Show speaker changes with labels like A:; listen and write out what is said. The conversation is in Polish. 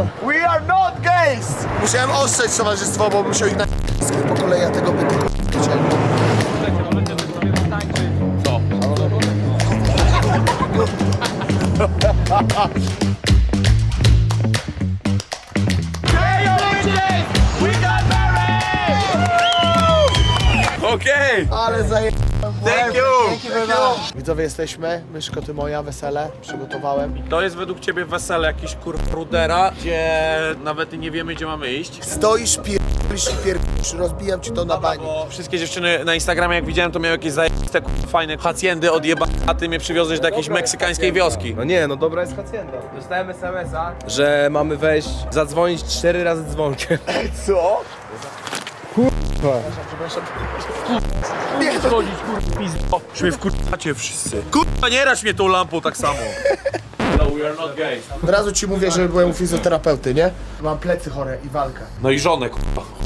A: We are not gays! Musiałem ostrzec towarzystwo, bo bym musiał ich na po kolei, ja tego by tylko chciałem.
B: Co? Okej!
A: Ale zajebałem.
B: Thank you!
A: Widzowie, jesteśmy. Myszko, ty moja, wesele. Przygotowałem.
B: To jest według ciebie wesele jakiś Rudera, gdzie nawet nie wiemy, gdzie mamy iść.
A: Stoisz, pierdolisz, rozbijam ci to na bani.
B: Bo wszystkie dziewczyny na Instagramie, jak widziałem, to miały jakieś zajebiste, fajne hacjendy odjebane, a ty mnie przywiozłeś do jakiejś meksykańskiej wioski.
C: No nie, no dobra jest hacienda. Dostałem SMS-a, że mamy wejść, zadzwonić 4 razy dzwonkiem.
A: Co?
B: Nie chodzić, kurwa, pizdo. Już mnie wkurzacie wszyscy. Kurwa, nie rać mnie tą lampą tak samo. No, we are not gay.
A: Od razu ci mówię, że byłem u fizjoterapeuty, nie? Mam plecy chore i walkę.
B: No i żonę, kurwa.